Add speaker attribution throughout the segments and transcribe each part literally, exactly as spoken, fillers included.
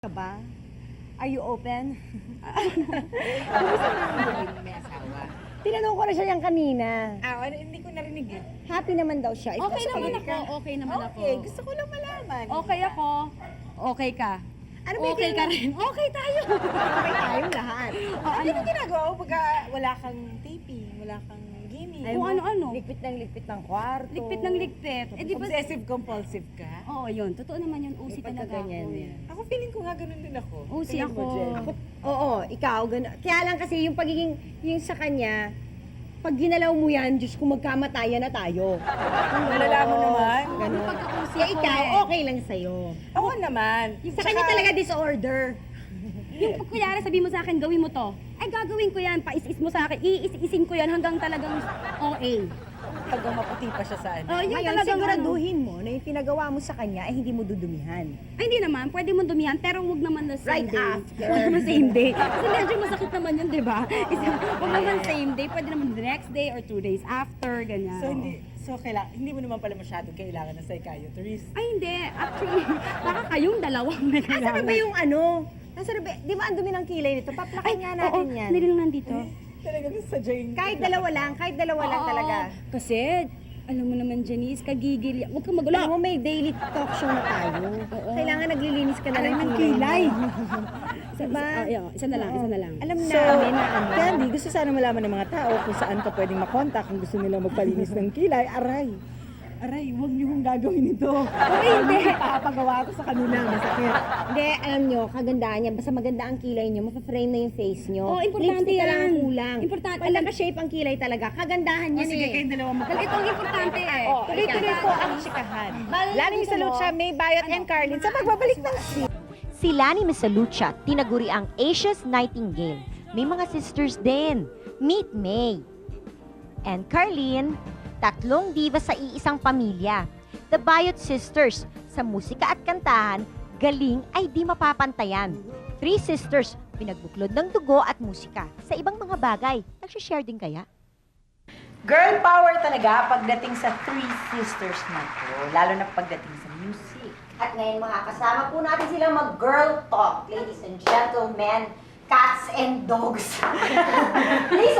Speaker 1: Ka ba? Are you open?
Speaker 2: May asawa.
Speaker 1: Tinanong ko na siya yan kanina.
Speaker 2: Ah, ano, hindi ko narinig eh.
Speaker 1: Happy naman daw siya. Ikaw,
Speaker 3: Okay naman
Speaker 1: sabi
Speaker 3: ako,
Speaker 1: ka.
Speaker 3: okay naman ako.
Speaker 2: Okay, gusto ko lang malaman.
Speaker 3: Okay ako, okay ka.
Speaker 1: Ano ba yung
Speaker 3: Okay ka
Speaker 1: tinanong-
Speaker 3: rin. Okay tayo.
Speaker 1: Okay tayong lahat.
Speaker 2: Oh, ano yung ginagawa mo pagka wala kang taping, wala kang gaming?
Speaker 1: Ay,
Speaker 3: Kung
Speaker 1: mo,
Speaker 3: ano-ano.
Speaker 1: Ligpit ng ligpit ng kwarto.
Speaker 3: Ligpit ng ligpit. Eh di ba?
Speaker 2: Obsessive compulsive ka?
Speaker 3: Oo, yun. Totoo naman yun. Usi
Speaker 1: May
Speaker 3: talaga
Speaker 1: pagkaganyan
Speaker 3: ako.
Speaker 1: yan.
Speaker 2: Ako feeling ko nga ganun din ako.
Speaker 3: Usi
Speaker 2: Tingin mo,
Speaker 3: ako.
Speaker 2: Jen.
Speaker 1: Ako, oo, ikaw, gano'n. Kaya lang kasi yung pagiging, yung sa kanya, pag ginalaw mo yan, Diyos ko, magkamatayan na tayo.
Speaker 2: Malala mo naman.
Speaker 1: Ganun.
Speaker 3: Pagkausi
Speaker 1: Kaya
Speaker 3: ako
Speaker 1: ikaw,
Speaker 3: eh.
Speaker 1: okay lang sa'yo.
Speaker 2: Ako naman.
Speaker 1: Sa kanya talaga disorder.
Speaker 3: Yung pag kunyari sabi mo sa akin, gawin mo to. Ay, gagawin ko yan. Pais-is mo sa akin. Iis-isin ko yan hanggang talagang O A.
Speaker 2: Hanggang maputi pa siya sa ano.
Speaker 3: Oh, yung
Speaker 1: Ngayon,
Speaker 3: talagang
Speaker 1: siguraduhin mo na yung pinagawa mo sa kanya ay hindi mo dudumihan.
Speaker 3: Ay, hindi naman. Pwede mo dumihan, pero wag naman na same
Speaker 1: Right
Speaker 3: day.
Speaker 1: after.
Speaker 3: Wag naman same day. Kasi medyo masakit naman yun, di ba? Isa- Wag naman same day. Pwede naman the next day or two days after, ganyan.
Speaker 2: So hindi so kaila, hindi mo naman pala masyadong kailangan ng psychiatrist.
Speaker 3: Ay, hindi. Actually, baka kayong dalawang may
Speaker 1: Asa
Speaker 3: kailangan.
Speaker 1: na ba yung ano? Nasa na ba? Di ba ang dumi ng kilay nito? Paplakan nga natin
Speaker 3: oo,
Speaker 1: yan.
Speaker 3: hindi lang nandito.
Speaker 2: Talagang sadyang...
Speaker 1: Kahit dalawa lang, kahit dalawa lang
Speaker 3: Oo,
Speaker 1: talaga.
Speaker 3: Kasi, alam mo naman, Janice, kagigil. Huwag kang magulo.
Speaker 1: Alam mo, may daily talk show na tayo.
Speaker 3: Oo.
Speaker 1: Kailangan naglilinis ka na
Speaker 2: Alam
Speaker 1: ng
Speaker 2: ng
Speaker 1: kilay.
Speaker 2: kilay.
Speaker 3: Isa,
Speaker 1: Diba?
Speaker 3: isa, oh, yun, isa na lang, isa na lang.
Speaker 1: Alam
Speaker 4: So,
Speaker 1: namin na ano.
Speaker 4: Candy, gusto sana malaman ng mga tao kung saan ka pwedeng makontak kung gusto nila magpalinis ng kilay. Aray! Aray, huwag niyo kong gagawin ito.
Speaker 1: Okay, hindi.
Speaker 4: Papagawa ko sa kanila, masakit.
Speaker 1: Hindi, alam nyo, kagandahan niya. Basta maganda ang kilay niyo, mapaframe na yung face niyo.
Speaker 3: Oo, importante
Speaker 1: Lipstick ka lang ang
Speaker 3: yan.
Speaker 1: kulang.
Speaker 3: Importante.
Speaker 1: Pag naka-shape ang kilay talaga, kagandahan
Speaker 2: Oh,
Speaker 1: yan
Speaker 2: sige,
Speaker 1: eh.
Speaker 2: kayong dalawa mag-
Speaker 3: Ito ang importante eh.
Speaker 1: Oh,
Speaker 4: Tuloy-tuloy po ang chikahan. Lani Misalucha, May Bayot, and Carlin sa pagbabalik ng
Speaker 5: Si Lani Misalucha, tinaguri ang Asia's Nightingale. May mga sisters din. Meet May. And Carlin, tatlong diva sa iisang pamilya. The Bayot Sisters, sa musika at kantahan, galing ay di mapapantayan. Three sisters, pinagbuklod ng dugo at musika. Sa ibang mga bagay, nagsishare din kaya?
Speaker 6: Girl power talaga pagdating sa Three Sisters na to, lalo na pagdating sa music.
Speaker 5: At ngayon mga kasama po natin silang mag-girl talk, ladies and gentlemen, cats and dogs. Please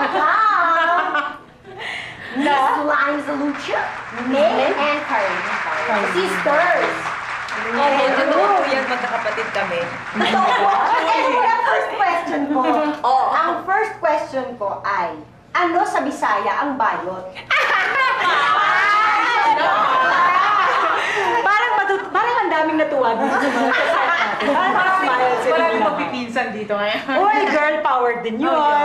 Speaker 5: welcome Miss Lani Misalucha, May and Carlin. Sisters.
Speaker 6: Oh, hello! Yan, magkakapatid kami.
Speaker 5: So, ano po ang first question ko?
Speaker 6: Oo.
Speaker 5: Ang first question ko ay, ano sa Bisaya ang bayot?
Speaker 6: Parang matut parang ang daming natuwa dito sa mga kasama natin. Parang smile sila.
Speaker 2: Maraming magpipinsan dito ngayon.
Speaker 6: Uy, girl power din yun.